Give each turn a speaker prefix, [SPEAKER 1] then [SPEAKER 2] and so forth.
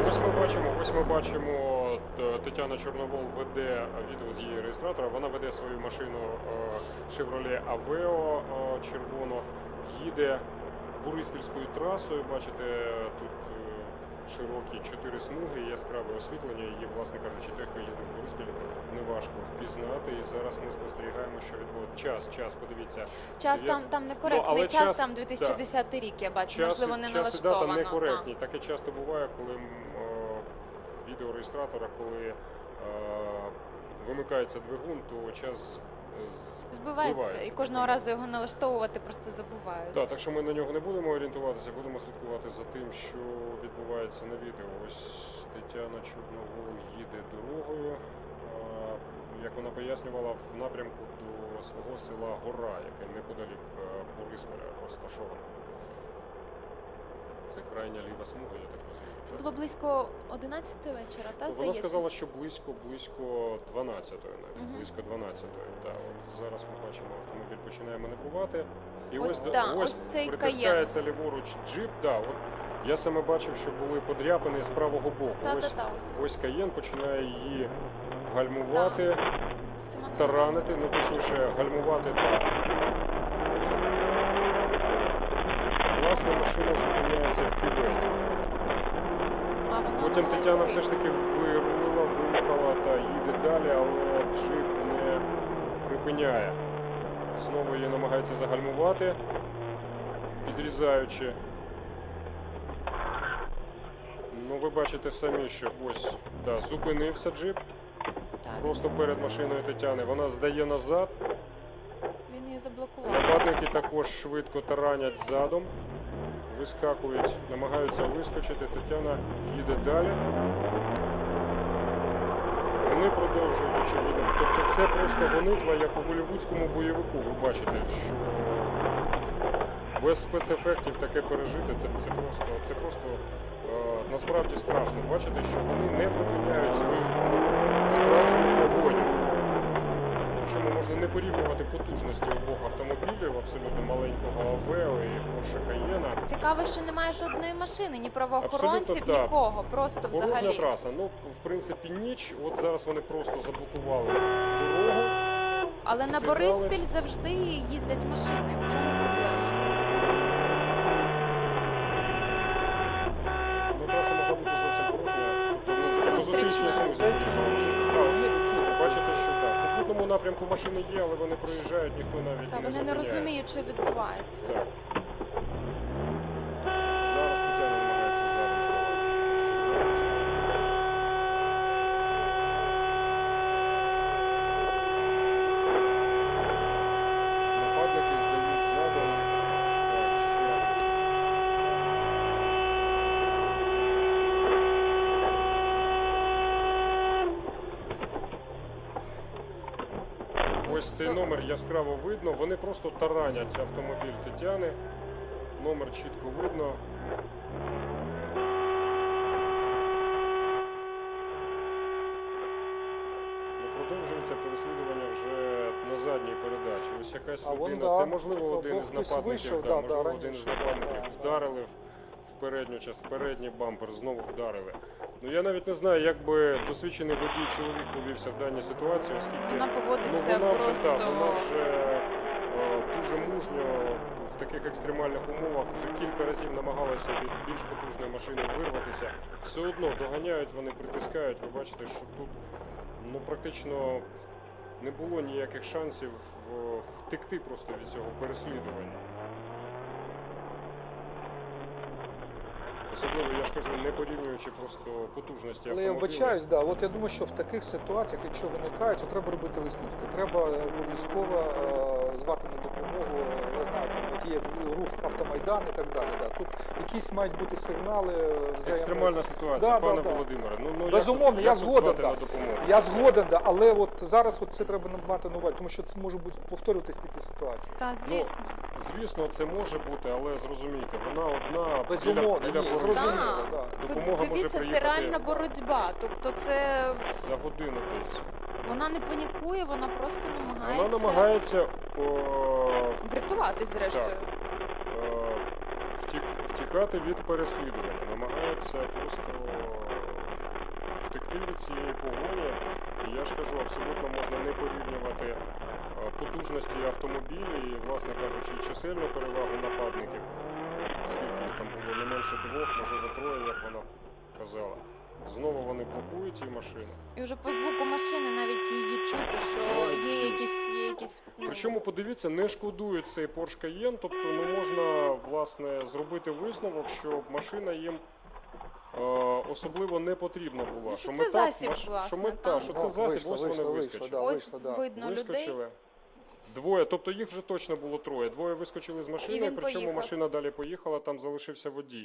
[SPEAKER 1] Ось ми бачимо, Тетяна Чорновол веде відео з її реєстратора. Вона веде свою машину Chevrolet Aveo червоно, їде Бориспільською трасою. Бачите, тут широкі 4 смуги, яскраве освітлення. Її, власне кажучи, той, хто їздив в Бориспіль, неважко впізнати. І зараз ми спостерігаємо, що відбувається. Час, подивіться.
[SPEAKER 2] Час там некоректний, час там 2010 рік, я бачу, можливо, не налаштовано.
[SPEAKER 1] Час і дата некоректні. Таке часто буває, коли відеореєстратора, коли вимикається двигун, то час збивається.
[SPEAKER 2] І кожного разу його налаштовувати просто забувають.
[SPEAKER 1] Так що ми на нього не будемо орієнтуватися, будемо слідкувати за тим, що відбувається на відео. Ось Тетяна Чорновол їде дорогою, як вона пояснювала, в напрямку до свого села Гора, яке неподалік Борисполя розташоване. Це крайня ліва смуга, я так розумію.
[SPEAKER 2] Це було близько 11 вечора, та, здається?
[SPEAKER 1] Вона сказала, що близько 12-ї, навіть, близько 12-ї. Так, от зараз ми бачимо, автомобіль починає маневрувати. І ось притискається ліворуч джип. От я саме бачив, що були подряпини з правого боку. Ось Каєн починає її гальмувати, таранити, точніше гальмувати так. Власне, машина зупиняється в кюветі. Потім Тетяна все ж таки вирулила, виїхала та їде далі, але джип не припиняє. Знову її намагається загальмувати, підрізаючи. Ви бачите самі, що ось зупинився джип. Просто перед машиною Тетяни. Вона здає назад.
[SPEAKER 2] Він її заблокував.
[SPEAKER 1] Нападники також швидко таранять задом. Вискакують, намагаються вискочити. Тетяна їде далі. Вони продовжують, очевидно. Тобто це просто гонитва, як у голлівудському бойовику. Ви бачите, що без спецефектів таке пережити, це просто насправді страшно. Бачите, що вони не припиняють свою справжню погоню. Причому можна не порівнювати потужності обох автомобілів, абсолютно маленького Aveo і Porsche Cayenne.
[SPEAKER 2] Цікаво, що немає жодної машини, ні правоохоронців, нікого, просто взагалі.
[SPEAKER 1] Порожня траса. В принципі, ніч. От зараз вони просто заблокували дорогу.
[SPEAKER 2] Але на Бориспіль завжди їздять машини. В чому проблема?
[SPEAKER 1] Траса могла бути зовсім порожня. Тобто, зустрічна смузі. Бачите, що в попутному напрямку машини є, але вони проїжджають, ніхто навіть не зупиняється.
[SPEAKER 2] Вони не розуміють, що відбувається.
[SPEAKER 1] Так. Зараз Тетяна намагається задом здавати. Нападники здають задом. Так, ще. Ось цей номер яскраво видно, вони просто таранять автомобіль Тетяни, номер чітко видно. Продовжується переслідування вже на задній передачі. Ось якась людина, це можливо один з нападників, вдарили в передній бампер, знову вдарили. Я навіть не знаю, як би досвідчений водій чоловік повівся в даній ситуації, оскільки
[SPEAKER 2] вона поводиться
[SPEAKER 1] вона
[SPEAKER 2] просто...
[SPEAKER 1] Вона вже дуже мужньо в таких екстремальних умовах вже кілька разів намагалася від більш потужної машини вирватися. Все одно доганяють, вони притискають. Ви бачите, що тут практично не було ніяких шансів втекти просто від цього переслідування. Особливо, я ж кажу, не порівнюючи просто потужності автомобіля.
[SPEAKER 3] Але я вбачаюсь, от я думаю, що в таких ситуаціях, якщо виникають, то треба робити висновки. Треба обов'язково звати на допомогу, я знаю, там є рух Автомайдан і так далі. Тут якісь мають бути сигнали.
[SPEAKER 1] Екстремальна ситуація, пане Володимире.
[SPEAKER 3] Безумовно, я згоден, я згоден, але от зараз це треба мати на увазі, тому що це може повторюватись такі ситуації.
[SPEAKER 2] Так, звісно.
[SPEAKER 1] Звісно, це може бути, але зрозумійте, вона одна
[SPEAKER 3] біля зрозуміло,
[SPEAKER 2] дивіться, це реальна боротьба, тобто це...
[SPEAKER 1] За годину десь.
[SPEAKER 2] Вона не панікує, вона просто намагається...
[SPEAKER 1] Вона намагається...
[SPEAKER 2] врятувати, зрештою.
[SPEAKER 1] втікати від переслідування, намагаються просто втекти від цієї погоні. І я ж кажу, абсолютно можна не порівнювати потужності автомобілів і, власне кажучи, чисельну перевагу нападників, скільки їх там було, не менше 2, можливо 3, як вона казала. Знову вони блокують ці машини.
[SPEAKER 2] І вже по звуку машини навіть її чути, що є якісь
[SPEAKER 1] Причому, подивіться, не шкодують цей Porsche Cayenne, тобто можна, власне, зробити висновок, що машина їм особливо не потрібна була.
[SPEAKER 2] Ну, що це засіб, власне, там.
[SPEAKER 1] Що це засіб, ось вони вискочили.
[SPEAKER 2] Ось видно людей.
[SPEAKER 1] Вискочили. Двоє, тобто їх вже точно було 3. Двоє вискочили з машини,
[SPEAKER 2] він
[SPEAKER 1] причому
[SPEAKER 2] поїхав.
[SPEAKER 1] машина далі поїхала, там залишився водій.